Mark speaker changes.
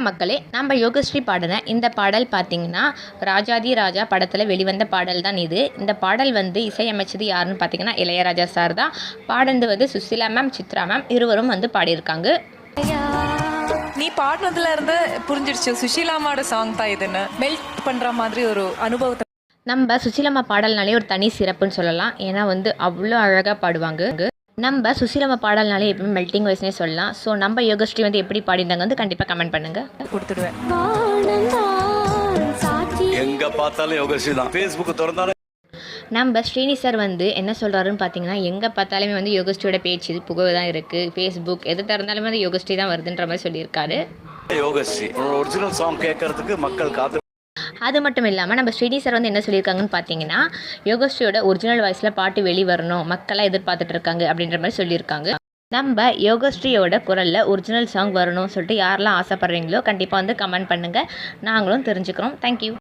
Speaker 1: மக்களே, நம்ம யோகஸ்ரீ பாடின இந்த பாடல் பார்த்தீங்கன்னா, ராஜாதி ராஜா படத்தில் வெளிவந்த பாடல் தான் இது. இந்த பாடல் வந்து இசையமைச்சது யாருன்னு பார்த்தீங்கன்னா, இளையராஜா சார் தான். பாடினது வந்து சுசிலா மேம், சித்ரா மேம் இருவரும் வந்து பாடியிருக்காங்க.
Speaker 2: நீ பாடினதுல இருந்து புரிஞ்சிடுச்சு சுஷீலாமாவோட சாங் தான் இதுன்னு. மெல்ட் பண்ற மாதிரி ஒரு அனுபவத்தை
Speaker 1: நம்ம சுசிலம்மா பாடல்னாலே ஒரு தனி சிறப்புன்னு சொல்லலாம். ஏன்னா வந்து அவ்வளோ அழகாக பாடுவாங்க. நம்ம சுசிலம்மா பாடல்னாலே எப்பவுமே மெல்ட்டிங் வாய்ஸ்னே சொல்லலாம். ஸோ நம்ம யோகஸ்ரீ வந்து எப்படி பாடினாங்க வந்து கண்டிப்பாக கமெண்ட் பண்ணுங்க.
Speaker 2: கொடுத்துடுவேன்.
Speaker 3: எங்க பார்த்தாலும் யோகஸ்ரீ தான். ஃபேஸ்புக் திறந்தாலும்
Speaker 1: நம்ம ஸ்ரீனி சார் வந்து என்ன சொல்கிறாருன்னு பார்த்தீங்கன்னா, எங்கே பார்த்தாலுமே வந்து யோகஸ்ரீயோட பேச்சு புகழ் தான் இருக்குது. ஃபேஸ்புக் எது திறந்தாலுமே வந்து யோகஸ்ரீ தான் வருதுன்ற மாதிரி சொல்லியிருக்காரு.
Speaker 3: யோகஸ்ரீ ஒரிஜினல் சாங் கேட்கறதுக்கு மக்கள் காத்து.
Speaker 1: அது மட்டும் இல்லாமல் நம்ம ஸ்ரீனி சார் வந்து என்ன சொல்லியிருக்காங்கன்னு பார்த்தீங்கன்னா, யோகஸ்ரீயோட ஒரிஜினல் வாய்ஸில் பாட்டு வெளிவரணும், மக்களாக எதிர்பார்த்துட்டு இருக்காங்க அப்படின்ற மாதிரி சொல்லியிருக்காங்க. நம்ம யோகஸ்ரீயோட குரலில் ஒரிஜினல் சாங் வரணும்னு சொல்லிட்டு யாரெல்லாம் ஆசைப்பட்றீங்களோ கண்டிப்பாக வந்து கமெண்ட் பண்ணுங்கள். நாங்களும் தெரிஞ்சுக்கிறோம். தேங்க்யூ.